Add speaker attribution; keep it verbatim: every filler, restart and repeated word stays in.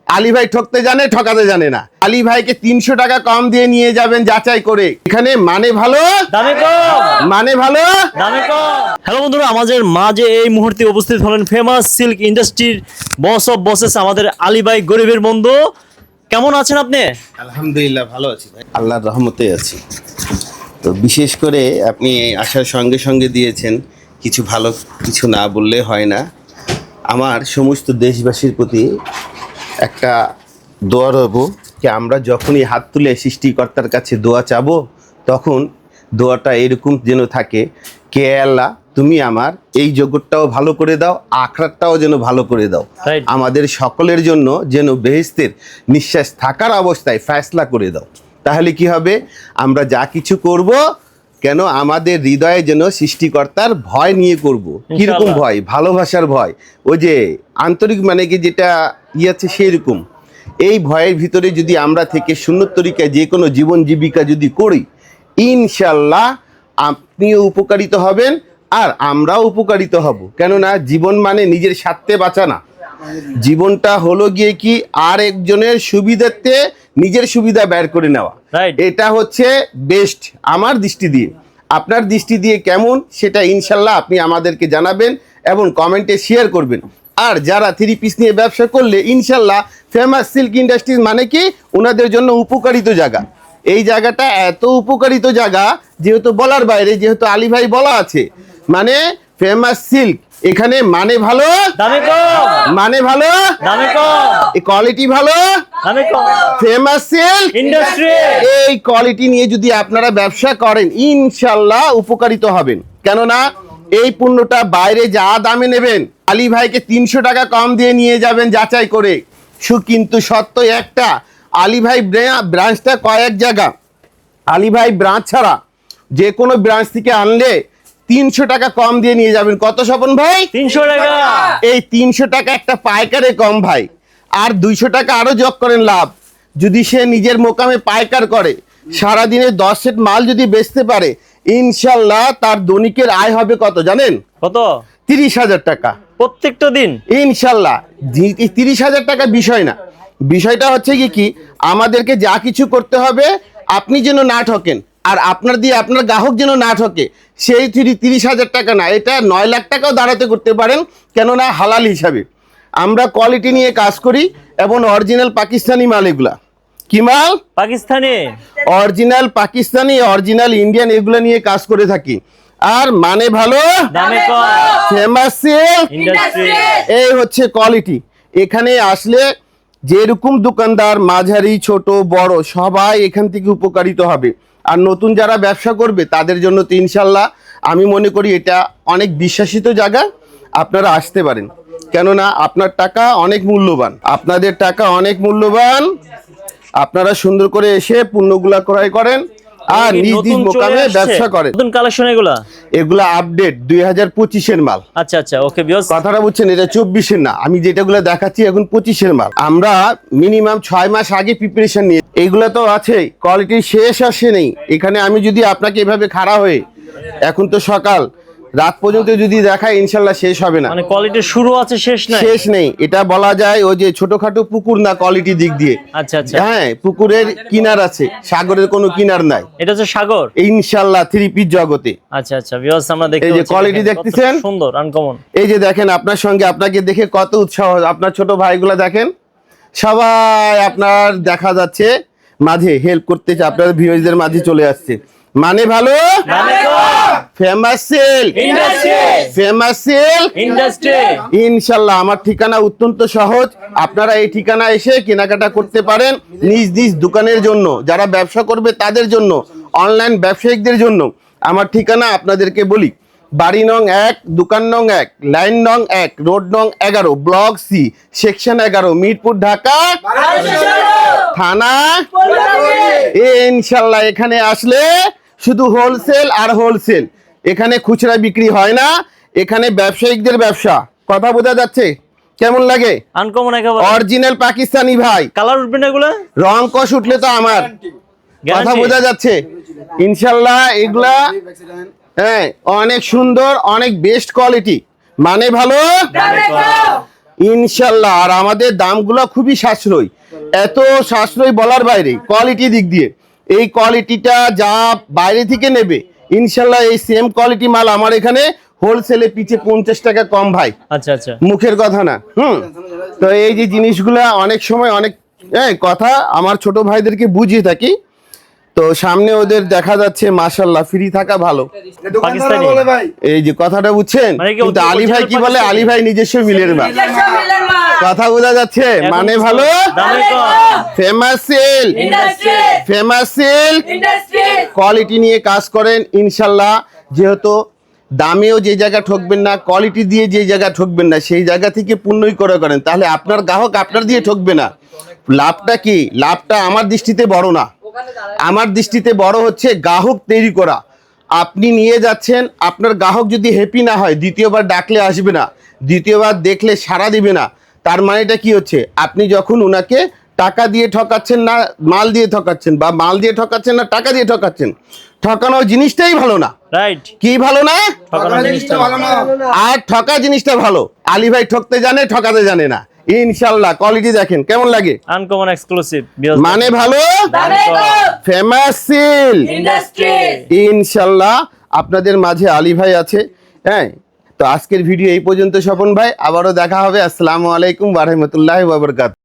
Speaker 1: আলী ভাই ঠকতে জানে, ঠকাতে জানে না। আলী ভাইকে তিনশো টাকা কম দিয়ে নিয়ে যাবেন যাচাই করে। এখানে মানে ভালো,
Speaker 2: দামে কম,
Speaker 1: মানে ভালো,
Speaker 2: দামে কম। হ্যালো বন্ধুরা, আমাদের মাঝে এই মুহূর্তে উপস্থিত হলেন ফেমাস সিল্ক ইন্ডাস্ট্রির বস অফ বসেস আমাদের আলী ভাই, গরিবের বন্ধু। কেমন আছেন আপনি?
Speaker 1: আলহামদুলিল্লাহ ভালো আছি ভাই, আল্লাহর রহমতে আছি। তো বিশেষ করে আপনি আসার সঙ্গে সঙ্গে দিয়েছেন, কিছু ভালো কিছু না বললে হয় না। আমার সমস্ত দেশবাসীর প্রতি একটা দোয়া রইব যে আমরা যখনই হাত তুলে সৃষ্টিকর্তার কাছে দোয়া চাবো, তখন দোয়াটা এরকম যেন থাকে, কে আল্লাহ তুমি আমার এই জগৎটাও ভালো করে দাও, আখরাতটাও যেন ভালো করে দাও,
Speaker 2: Right.
Speaker 1: আমাদের সকলের জন্য যেন বেহেশতের নিঃশ্বাস থাকার অবস্থায় ফয়সলা করে দাও। তাহলে কি হবে, আমরা যা কিছু করব কেন আমাদের হৃদয়ে যেন সৃষ্টিকর্তার ভয় নিয়ে করব। কিরকম
Speaker 2: ইনশাআল্লাহ।
Speaker 1: ভয়? ভালোবাসার ভয়, ওই যে আন্তরিক মানে কি যেটা ইয়ে আছে সেরকম। এই ভয়ের ভিতরে যদি আমরা থেকে সুন্নত তরিকায় যে কোনো জীবন জীবিকা যদি করি, ইনশাল্লাহ আপনিও উপকারিত হবেন আর আমরাও উপকারিত হব। কেননা জীবন মানে নিজের স্বার্থে বাঁচা না, জীবনটা হলো গিয়ে কি আর একজনের সুবিধার্থে নিজের সুবিধা বের করে নেওয়া।
Speaker 2: Right.
Speaker 1: এটা হচ্ছে বেস্ট আমার দৃষ্টি দিয়ে। আপনার দৃষ্টি দিয়ে কেমন সেটা ইনশাল্লাহ আপনি আমাদেরকে জানাবেন এবং কমেন্টে শেয়ার করবেন। আর যারা থ্রি পিস নিয়ে ব্যবসা করলে ইনশাল্লাহ ফেমাস সিল্ক ইন্ডাস্ট্রিজ মানে কি ওনাদের জন্য উপকারিত জায়গা। এই জায়গাটা এত উপকারিত জায়গা যেহেতু বলার বাইরে, যেহেতু আলী ভাই বলা আছে, মানে ফেমাস সিল্ক এখানে মানে ভালো,
Speaker 2: দামে কম,
Speaker 1: মানে ভালো,
Speaker 2: দামে কম,
Speaker 1: এই কোয়ালিটি ভালো,
Speaker 2: দামে কম।
Speaker 1: Famous silk
Speaker 2: industry.
Speaker 1: এই কোয়ালিটি নিয়ে যদি আপনারা ব্যবসা করেন ইনশাল্লাহ উপকারিত হবেন। কেননা এই পণ্যটা বাইরে যা দামে নেবেন, আলী ভাইকে তিনশো টাকা কম দিয়ে নিয়ে যাবেন যাচাই করে। সু কিন্তু সত্য একটা, আলী ভাই ব্রাঞ্চটা কয়েক জায়গা, আলী ভাই ব্রাঞ্চ ছাড়া যে কোনো ব্রাঞ্চ থেকে আনলে তিনশো টাকা কম দিয়ে নিয়ে যাবেন। কত স্বপন ভাই?
Speaker 2: তিনশো টাকা।
Speaker 1: এই তিনশো টাকা একটা পাইকারে কম ভাই, আর দুইশো টাকা আরো যোগ করেন লাভ। যদি সে নিজের মোকামে পাইকার করে, সারাদিনে দশ সেট মাল যদি বেচতে পারে, ইনশাল্লাহ তার দৈনিকের আয় হবে কত জানেন?
Speaker 2: কত?
Speaker 1: তিরিশ হাজার টাকা
Speaker 2: প্রত্যেকটা দিন।
Speaker 1: ইনশাল্লাহ। তিরিশ হাজার টাকা বিষয় না, বিষয়টা হচ্ছে কি কি আমাদেরকে যা কিছু করতে হবে আপনি যেন না ঠকেন, আর আপনার দিয়ে আপনার গ্রাহক যেন না ঠকে। সেই তিরিশ হাজার টাকা না, এটা নয় লাখ টাকাও দাঁড়াতে করতে পারেন, কেননা হালাল হিসাবে। আমরা কোয়ালিটি নিয়ে কাজ করি এবং অরিজিনাল পাকিস্তানি মাল। এগুলা কি মাল?
Speaker 2: Pakistani.
Speaker 1: Original Pakistani, original Indian, এগুলো নিয়ে কাজ করে থাকি। আর মানে ভালো,
Speaker 2: দামে কম,
Speaker 1: ফেমাস সিল্ক
Speaker 2: ইন্ডাস্ট্রি।
Speaker 1: এই হচ্ছে কোয়ালিটি। এখানে আসলে যেরকম দোকানদার মাঝারি ছোট বড় সবাই এখান থেকে উপকারিত হবে। আর নতুন যারা ব্যবসা করবে তাদের জন্য তো ইনশাল্লাহ আমি মনে করি এটা অনেক বিশ্বাসিত জায়গা, আপনারা আসতে পারেন। কেননা আপনার টাকা অনেক মূল্যবান, আপনাদের টাকা অনেক মূল্যবান। আপনারা সুন্দর করে এসে পণ্যগুলা ক্রয় করেন আর নিজ নিজ মোকামে ব্যবসা করেন।
Speaker 2: নতুন কালেকশন এগুলা?
Speaker 1: এগুলা আপডেট দুই হাজার পঁচিশের মাল।
Speaker 2: আচ্ছা আচ্ছা, ওকে বিয়স।
Speaker 1: কথাটা বুঝছেন, এটা চব্বিশের না, আমি যেটাগুলো দেখাচ্ছি এখন পঁচিশের মাল। আমরা মিনিমাম ছয় মাস আগে প্রিপারেশন নিয়ে, এইগুলো তো আছে কোয়ালিটি শেষ আসে নেই। এখানে আমি যদি আপনাকে এভাবে খাড়া হয়ে, এখন তো সকাল রাত পর্যন্ত যদি দেখায় ইনশাল্লাহ শেষ হবে না।
Speaker 2: মানে কোয়ালিটি শুরু আছে, শেষ নাই।
Speaker 1: শেষ নেই, এটা বলা যায় ওই যে ছোটখাটো পুকুর না কোয়ালিটি দিক দিয়ে।
Speaker 2: আচ্ছা আচ্ছা,
Speaker 1: হ্যাঁ, পুকুরের কিনার আছে, সাগরের কোনো কিনার নাই।
Speaker 2: এটা হচ্ছে সাগর
Speaker 1: ইনশাল্লাহ থ্রি পিস জগতে।
Speaker 2: আচ্ছা আচ্ছা বিয়স, আমরা দেখতে
Speaker 1: এই যে
Speaker 2: পাচ্ছি,
Speaker 1: কোয়ালিটি
Speaker 2: দেখেন, কত
Speaker 1: দেখতেছেন?
Speaker 2: সুন্দর, আনকমন।
Speaker 1: এই যে দেখেন আপনার সঙ্গে, আপনাকে দেখে কত উৎসাহ। আপনার ছোট ভাইগুলা দেখেন, সবাই আপনার দেখা যাচ্ছে মাঝে হেল্প করতে, আপনার ভিউয়ারদের মাঝে চলে আসছে। মানে ভালো,
Speaker 2: দামে কম,
Speaker 1: famous silk
Speaker 2: industry,
Speaker 1: famous silk
Speaker 2: industry.
Speaker 1: ইনশাল্লাহ আমার ঠিকানা অত্যন্ত সহজ, আপনারা এই ঠিকানা এসে কেনাকাটা করতে পারেন নিজ নিজ দোকানের জন্য। যারা ব্যবসা করবে তাদের জন্য, অনলাইন ব্যবসায়িকদের জন্য আমার ঠিকানা আপনাদেরকে বলি। বাড়ি নং এক, দোকান নং এক, লাইন নং এক, রোড নং এগারো, ব্লক সি, সেকশন এগারো, মিরপুর, ঢাকা, থানা। ইনশাল্লাহ এখানে আসলে শুধু হোলসেল আর হোলসেল, এখানে খুচরা বিক্রি হয় না, এখানে ব্যবসায়িকদের ব্যবসা। কথা বোঝা যাচ্ছে? কেমন লাগে?
Speaker 2: আনকমন একেবারে,
Speaker 1: অরিজিনাল পাকিস্তানি ভাই।
Speaker 2: কালার উঠবে না এগুলা?
Speaker 1: রং কষ উঠলে তো আমার কথা বোঝা যাচ্ছে। ইনশাল্লাহ এগুলা হ্যাঁ অনেক সুন্দর, অনেক বেস্ট কোয়ালিটি, মানে ভালো, ইনশাল্লাহ। আর আমাদের দামগুলো খুবই সাশ্রয়ী, এত সাশ্রয়ী বলার বাইরে। কোয়ালিটি দিক দিয়ে এই কোয়ালিটিটা যা বাইরে থেকে নেবে ইনশাল্লাহ এই সেম কোয়ালিটি মাল আমার এখানে হোলসেলে পিছে পঞ্চাশ টাকা কম ভাই,
Speaker 2: আচ্ছা আচ্ছা,
Speaker 1: মুখের কথা না। হুম, তো এই যে জিনিসগুলো অনেক সময় অনেক হ্যাঁ কথা আমার ছোট ভাইদেরকে বুঝিয়ে থাকি। তো সামনে ওদের দেখা যাচ্ছে মাশাল্লাহ ফ্রি থাকা ভালো।
Speaker 2: পাকিস্তানি
Speaker 1: এই যে কথাটা বুঝছেন,
Speaker 2: মানে কি
Speaker 1: কিন্তু আলী ভাই কি বলে,
Speaker 2: পাকিস্তানি?
Speaker 1: আলী ভাই নিজস্ব মিলের মাল। কথা বোঝা যাচ্ছে,
Speaker 2: এখন
Speaker 1: মানে ভালো।
Speaker 2: দামে কম।
Speaker 1: Famous sale, famous sale quality নিয়ে কাজ করেন ইনশাল্লাহ। যেহেতু দামেও যে জায়গা ঠকবেন না, কোয়ালিটি দিয়ে যে জায়গা ঠকবেন না, সেই জায়গা থেকে পূর্ণই করে করেন, তাহলে আপনার গ্রাহক আপনার দিয়ে ঠকবে না। লাভটা কি? লাভটা আমার দৃষ্টিতে বড় না, আমার দৃষ্টিতে বড় হচ্ছে গ্রাহক তৈরি করা। আপনি নিয়ে যাচ্ছেন, আপনার গ্রাহক যদি হ্যাপি না হয় দ্বিতীয়বার ডাকলে আসবে না, দ্বিতীয়বার দেখলে সাড়া দিবে না। তার মানেটা কি হচ্ছে, আপনি যখন ওনাকে টাকা দিয়ে ঠকাচ্ছেন না মাল দিয়ে ঠকাচ্ছেন, বা মাল দিয়ে ঠকাচ্ছেন না টাকা দিয়ে ঠকাচ্ছেন, ঠকানো জিনিসটাই ভালো না।
Speaker 2: রাইট,
Speaker 1: কি ভালো না?
Speaker 2: ঠকানো জিনিসটা ভালো না।
Speaker 1: আর ঠকা জিনিসটা ভালো। আলী ভাই ঠকতে জানে, ঠকাতে জানে না। ইনশাল্লাহ কোয়ালিটি দেখেন কেমন লাগে,
Speaker 2: আনকমন এক্সক্লুসিভ
Speaker 1: মানে ভালো। ফেমাস সিল ইনশাল্লাহ আপনাদের মাঝে আলী ভাই আছে। হ্যাঁ, তো আজকের ভিডিও এই পর্যন্ত স্বপন ভাই, আবারও দেখা হবে। আসসালামু আলাইকুম ওয়া রাহমাতুল্লাহি ওয়া বারাকাতুহু।